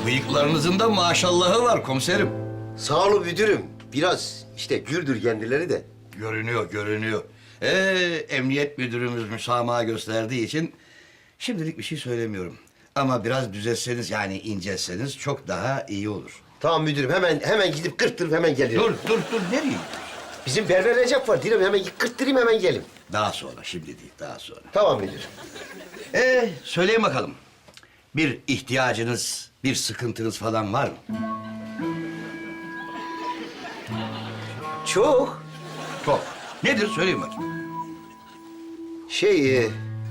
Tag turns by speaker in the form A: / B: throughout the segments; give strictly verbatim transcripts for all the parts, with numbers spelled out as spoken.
A: Bıyıklarınızın da maşallahı var komiserim.
B: Sağ olun müdürüm. Biraz işte güldür kendileri de.
A: Görünüyor, görünüyor. Ee, emniyet müdürümüz müsamaha gösterdiği için şimdilik bir şey söylemiyorum. Ama biraz düzelseniz yani incelseniz çok daha iyi olur.
B: Tamam müdürüm, hemen hemen gidip kırptırıp hemen geliyorum.
A: Dur, dur, dur. Nereye gidiyorsun?
B: Bizim berber Recep var. Dilerim hemen kırptırayım hemen gelim.
A: Daha sonra, şimdi değil, daha sonra.
B: Tamam müdürüm.
A: Ee, söyleyin bakalım. Bir ihtiyacınız, bir sıkıntınız falan var mı?
B: Çok.
A: Çok. Nedir? Söyleyin bakayım.
B: Şey... E...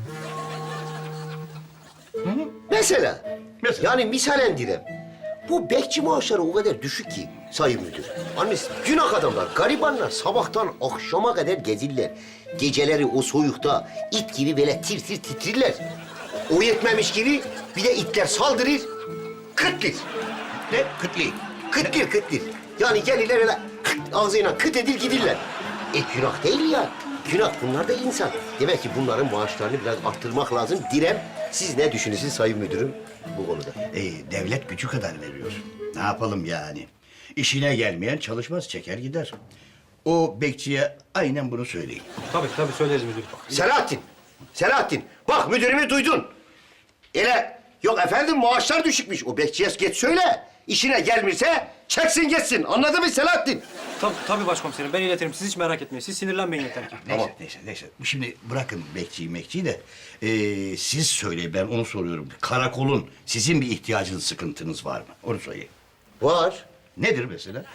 B: Mesela.
A: Mesela?
B: Yani misalen direm. Bu bekçi maaşları o kadar düşük ki sayın müdür. Annesi günah adamlar, garibanlar sabahtan akşama kadar gezirler. Geceleri o soyukta it gibi böyle tir tir titrirler. O yetmemiş gibi bir de itler saldırır, kıtlir.
A: Ne? Kıtli.
B: Kıtlir kıtlir. Yani gelirler öyle kıt, ağzıyla kıt edil gidirler. E günah değil ya. Günah, bunlar da insan. Demek ki bunların maaşlarını biraz arttırmak lazım. Direm, siz ne düşünürsünüz sayın müdürüm bu konuda?
A: Ee, devlet gücü kadar veriyor. Ne yapalım yani? İşine gelmeyen çalışmaz, çeker gider. O bekçiye aynen bunu söyleyin.
C: Tabii tabii söyleriz müdürüm.
B: Selahattin, Selahattin. Bak müdürümü duydun. Ele, yok efendim maaşlar düşükmüş. O bekçiye geç söyle. İşine gelmirse çeksin geçsin. Anladın mı Selahattin?
C: Tabii, tabii başkomiserim ben iletirim. Siz hiç merak etmeyin. Siz sinirlenmeyin yeter ki.
A: Neyse,
B: Tamam.
A: neyse, neyse. Şimdi bırakın bekçiyi mekçiyi de... ee, siz söyleyin, ben onu soruyorum. Karakolun sizin bir ihtiyacınız, sıkıntınız var mı? Onu söyleyin.
B: Var.
A: Nedir mesela?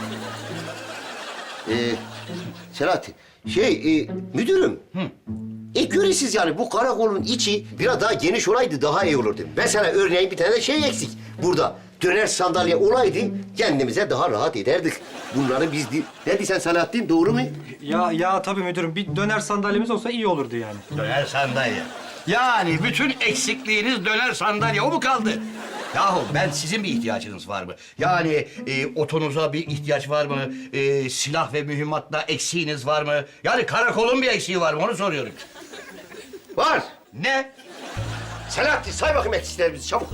B: Ee, Selahattin, şey e, müdürüm. E görüyorsunuz yani bu karakolun içi biraz daha geniş olaydı daha iyi olurdu. Mesela örneğin bir tane de şey eksik. Burada döner sandalye olaydı kendimize daha rahat ederdik. Bunları biz... di- Ne diysen Selahattin, doğru mu?
C: Ya ya tabii müdürüm. Bir döner sandalyemiz olsa iyi olurdu yani.
A: Döner sandalye. Yani bütün eksikliğiniz döner sandalye, o mu kaldı? Yahu ben sizin bir ihtiyacınız var mı? Yani e, otonuza bir ihtiyaç var mı? E, silah ve mühimmatla eksiğiniz var mı? Yani karakolun bir eksiği var mı? Onu soruyorum.
B: Var.
A: Ne?
B: Selahattin say bakayım eksiklerimizi çabuk.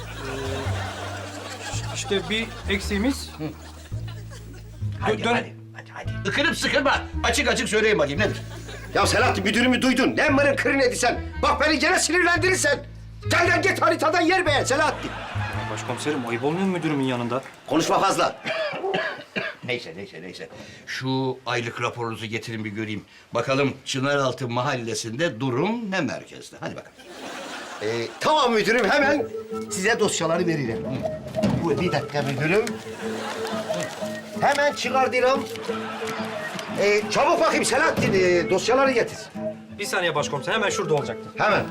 C: İşte bir eksiğimiz...
A: Hadi,
C: Dön-
A: hadi, hadi, hadi. Ikınıp sıkılma. Açık açık söyleyin bakayım, nedir?
B: Ya Selahattin müdürümü duydun. Ne mırın kırın edisen. Bak beni gene sinirlendirirsen. Gel lan git haritadan yer beğen Selahattin.
C: Ya başkomiserim ayıp olmuyor mu müdürümün yanında?
B: Konuşma fazla.
A: Neyse, neyse, neyse. Şu aylık raporunuzu getirin bir göreyim. Bakalım Çınaraltı Mahallesi'nde durum ne merkezde? Hadi bakalım.
B: Ee, tamam müdürüm, hemen size dosyaları veririm. Bu bir dakika müdürüm. Hemen çıkartıyorum. Ee, çabuk bakayım Selahattin, ee, dosyaları getir.
C: Bir saniye başkomiserim hemen şurada olacaktı.
B: Hemen.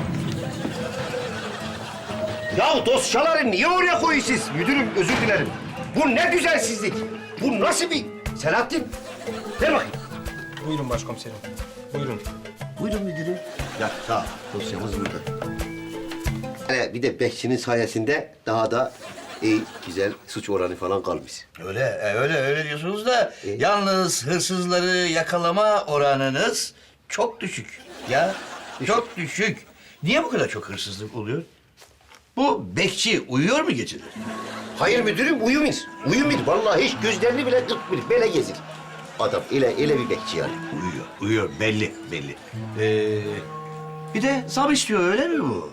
B: Ya dosyaları niye oraya koyuyorsunuz? Müdürüm özür dilerim. Bu ne düzensizlik. Bu nasıl bir... Selahattin, ver bakayım.
C: Buyurun başkomiserim. Buyurun.
B: Buyurun müdürüm.
A: Ya sağ ol.
B: Dosyamız burada. Yani bir de bekçinin sayesinde daha da iyi, güzel suç oranı falan kalmış.
A: Öyle, e, öyle, öyle diyorsunuz da
B: E?
A: yalnız hırsızları yakalama oranınız çok düşük. Ya, çok düşük. Niye bu kadar çok hırsızlık oluyor? Bu bekçi uyuyor mu geceleri?
B: Hayır müdürüm, uyumur. Uyumur. Vallahi hiç gözlerini bile kırpmıyor. Böyle gezir. Adam ele, ele bir bekçi yani.
A: Uyuyor, uyuyor. Belli, belli. Ee, bir de zam istiyor, öyle mi bu?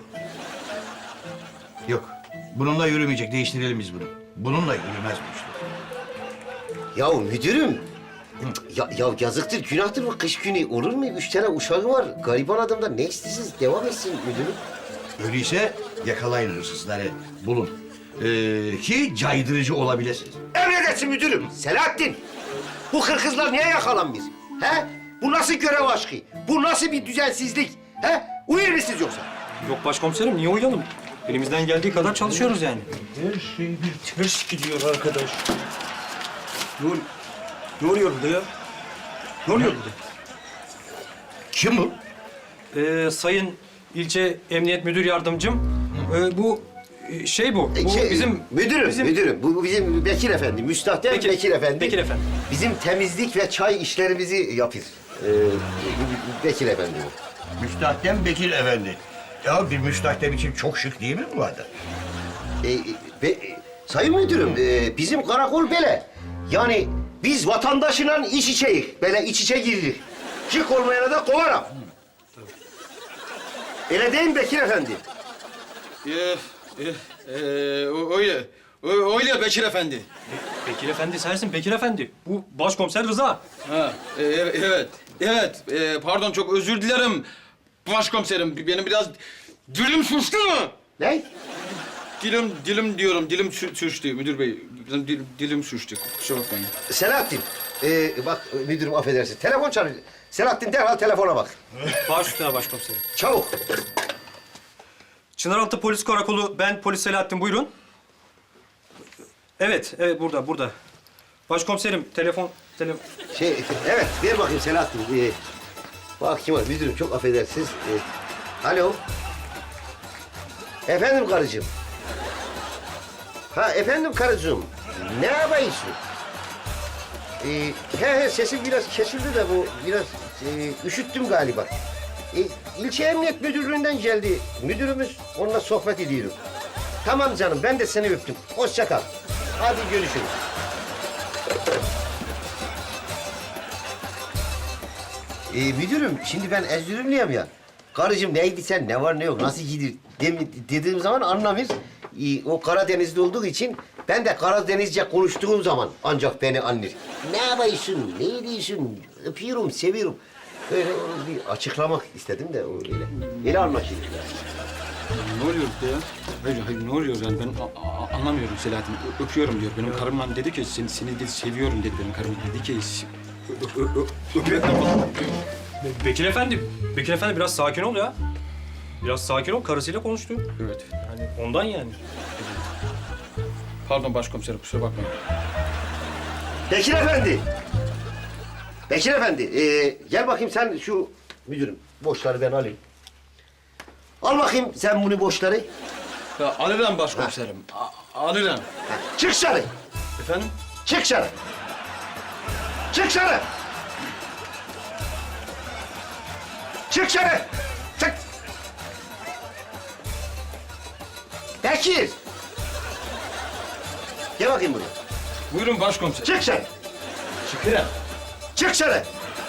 A: Yok, bununla yürümeyecek. Değiştirelim biz bunu. Bununla yürümez bu işte.
B: Ya müdürüm, ya, ya yazıktır, günahtır bu kış günü. Olur mu? Üç tane uşağı var. Gariban adamdan ne istiyorsunuz? Devam etsin müdürüm.
A: Öyleyse yakalayın hırsızları, bulun. Ee, ki caydırıcı olabilirsiniz.
B: Emredersin müdürüm. Selahattin, bu kırkızlar niye yakalanmış? He? Bu nasıl görev aşkı? Bu nasıl bir düzensizlik? He? Uyur musunuz yoksa?
C: Yok başkomiserim niye uyuyalım? Elimizden geldiği kadar çalışıyoruz yani.
D: Her şey bir ters gidiyor arkadaş. Ne, ol- ne oluyor burada ya? Ne oluyor burada?
A: Kim bu?
C: Ee, sayın ilçe emniyet müdür yardımcım, ee, bu e, şey bu. Bu
B: Şey,
C: bizim
B: müdürüm,
C: bizim-
B: müdürüm. Bu, bu bizim Bekir Efendi, müstahdem
C: Bekir-
B: Bekir Efendi.
C: Bekir Efendi.
B: Bizim temizlik ve çay işlerimizi yapır. Ee, Bekir Efendi bu.
A: Müstahdem Bekir Efendi. Ya bir müstahdem için çok şık değil mi bu adam?
B: Ee, Ve, e, sayın müdürüm, e, bizim karakol böyle. Yani biz vatandaşla iç içeyiz. Böyle iç içe girilir. Çık olmayana da kovarım. Öyle değil mi Bekir Efendi?
D: Ee, e, e, o- öyle. Ö- Öyle Bekir Efendi.
C: Bekir Efendi sensin Bekir Efendi. Bu başkomiser Rıza.
D: Ha, e, evet, evet. E, pardon, çok özür dilerim başkomiserim. Benim biraz dilim suçtu mu?
B: Ne?
D: Dilim, dilim diyorum, dilim sü- sürçtü müdür bey. Benim dilim, dilim sürçtü, kusura bakmayın.
B: Selahattin, e, bak müdürüm affedersin. Telefon çalıyor. Selahattin derhal telefona bak.
C: Baş üstüne başkomiserim.
B: Çabuk.
C: Çınaraltı Polis Karakolu, ben Polis Selahattin, buyurun. Evet, evet burada, burada. Başkomiserim, telefon, telefon...
B: Şey, evet ver bakayım Selahattin. Ee, bak kim var müdürüm çok affedersiniz. Ee, alo. Efendim karıcığım. Ha efendim karıcığım. Ne yapıyorsun? Ee, he he sesim biraz kesildi de bu biraz e, üşüttüm galiba. Ee, ilçe Emniyet Müdürlüğü'nden geldi. Müdürümüz onunla sohbet ediyorum. Tamam canım ben de seni öptüm. Hoşça kal. Hadi görüşürüz. Ee, müdürüm, şimdi ben Erzurumluyum ya. Karıcığım neydi sen, ne var ne yok, nasıl gidiyor dem- dediğim zaman anlamıyor. Ee, o Karadenizli olduğu için ben de Karadenizce konuştuğum zaman ancak beni anlar. Ne yapıyorsun, ne diyorsun, öpüyorum, seviyorum. Böyle onu bir açıklamak istedim de öyle. Öyle anlaşılıyor.
D: Ne oluyor burada ya? Hayır, hayır ne oluyor yani ben a- a- anlamıyorum Selahattin. Ö- öpüyorum diyor. Benim karımla dedi ki seni, seni dedi, seviyorum dedi benim karım. Dedi ki ö- ö- ö- öpüyorum falan.
C: Be- Bekir Efendi, Bekir Efendi biraz sakin ol ya. Biraz sakin ol, karısıyla konuştu.
D: Evet.
C: Yani ondan yani.
D: Pardon başkomiserim, kusura bakmayın.
B: Bekir Efendi. Bekir Efendi, ee, gel bakayım sen şu müdürüm. Boşları ben alayım. Al bakayım sen bunu boşları.
D: Ya, alırım başkomiserim. A- alırım.
B: Ha, çık dışarı.
D: Efendim?
B: Çık dışarı. Çık dışarı. Çık dışarı. Çık. Bekir. Gel bakayım buraya.
D: Buyurun başkomiserim.
B: Çık dışarı.
D: Çıkıyorum.
B: Çık dışarı.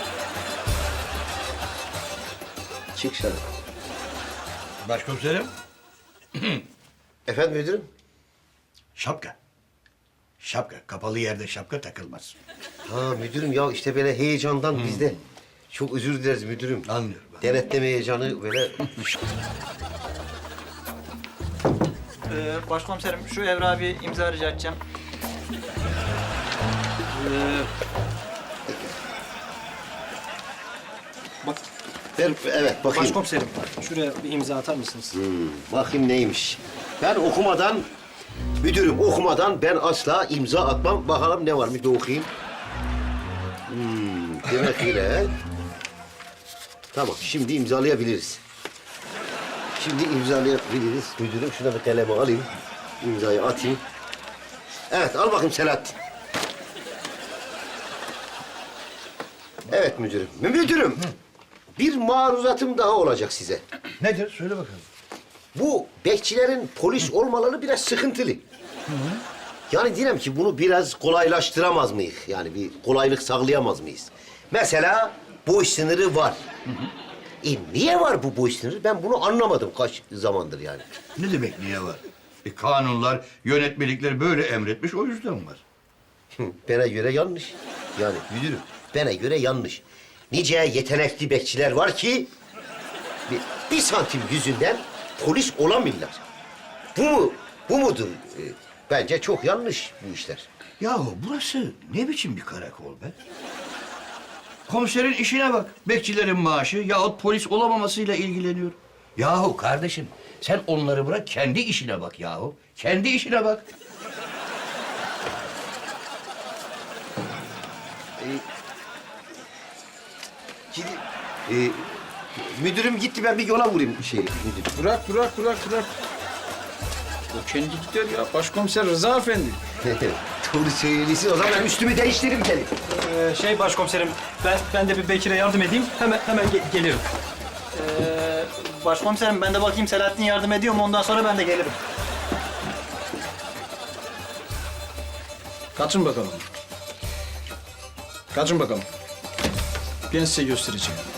B: Çık dışarı.
A: Başkomiserim.
B: Efendim müdürüm?
A: Şapka. Şapka. Kapalı yerde şapka takılmaz.
B: Ha müdürüm ya işte böyle heyecandan biz de çok özür dileriz müdürüm.
A: Anlıyorum ben.
B: Denetleme heyecanı böyle.
E: Ee, başkomiserim şu evrağı bir imza rica edeceğim.
C: Bak,
B: Ver, evet bakayım.
C: başkomiserim, şuraya bir imza atar mısınız?
B: Bakayım neymiş. Ben okumadan, müdürüm okumadan ben asla imza atmam. Bakalım ne varmış bir okuyayım. Hmm, demek öyle. Tamam, şimdi imzalayabiliriz. Şimdi imzalayabiliriz. Müdürüm şuna bir kalemi alayım. İmzayı atayım. Evet, al bakayım Selahattin. Evet müdürüm. Müdürüm, bir maruzatım daha olacak size.
A: Nedir? Söyle bakalım.
B: Bu bekçilerin polis olmaları biraz sıkıntılı. Yani diyelim ki bunu biraz kolaylaştıramaz mıyız? Yani bir kolaylık sağlayamaz mıyız? Mesela boş sınırı var. E niye var bu boş sınırı? Ben bunu anlamadım kaç zamandır yani.
A: Ne demek niye var? E, kanunlar, yönetmelikler böyle emretmiş, o yüzden var.
B: Hı, Bana göre yanlış. Yani müdürüm, bana göre yanlış. Nice yetenekli bekçiler var ki... Bir, bir santim yüzünden polis olamıyorlar. Bu mu, bu mudur? E, bence çok yanlış bu işler.
A: Yahu burası ne biçim bir karakol be? Komiserin işine bak. Bekçilerin maaşı yahut polis olamamasıyla ilgileniyor. Yahu kardeşim sen onları bırak kendi işine bak yahu. Kendi işine bak.
B: Gidi, e, müdürüm gitti, ben bir yola vurayım şey müdürüm.
D: Bırak, bırak, bırak, bırak. O kendi gider ya. Başkomiser Rıza Efendi.
B: Doğru söylüyorsun. O zaman ben üstümü değiştireyim gelin.
C: Ee, şey başkomiserim, ben ben de bir Bekir'e yardım edeyim. Hemen hemen ge- gelirim.
E: Ee, başkomiserim ben de bakayım Selahattin yardım ediyor mu ondan sonra ben de gelirim.
D: Kaçın bakalım. Kaçın bakalım. Ben size göstereceğim.